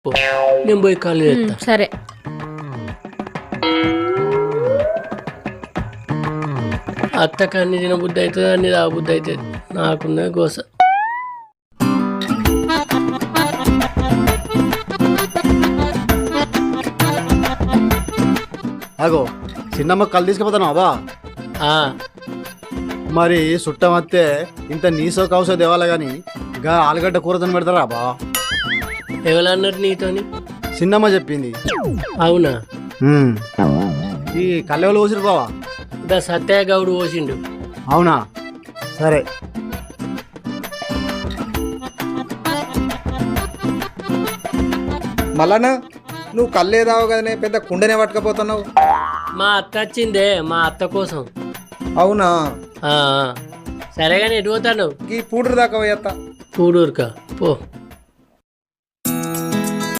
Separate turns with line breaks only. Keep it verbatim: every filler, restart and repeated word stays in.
నేను పోయి కాలు చేస్తా.
సరే
అత్తకు అన్ని తిన బుద్ధి అవుతుంది, అన్ని తా బుద్ధి అవుతుంది. నాకున్న గోస.
అగో చిన్నమ్మ కళ్ళు తీసుకుపోతాను అబ్బా.
ఆ,
మరి చుట్టం వస్తే ఇంత నీసో కౌసో దేవాలా గాని గా ఆలుగడ్డ కూరతోని పెడతారా అబ్బా?
ఎవరన్నారు నీతోని?
చిన్నమ్మ చెప్పింది.
అవునా?
ఈ కళ్ళెవలు పోసిరు బావా?
దా సత్యయ్య గౌడు పోసిండు.
అవునా? సరే.
మళ్ళానా నువ్వు కళ్ళే రావు కదనే, పెద్ద కుండనే పట్టుకపోతున్నావు.
మా అత్త వచ్చిందే, మా అత్త కోసం.
అవునా?
ఆ, సరేగాని ఎటు పోతాను?
ఈ పూటరు దాకా పోయేత్తా.
పూడూరుకా పో.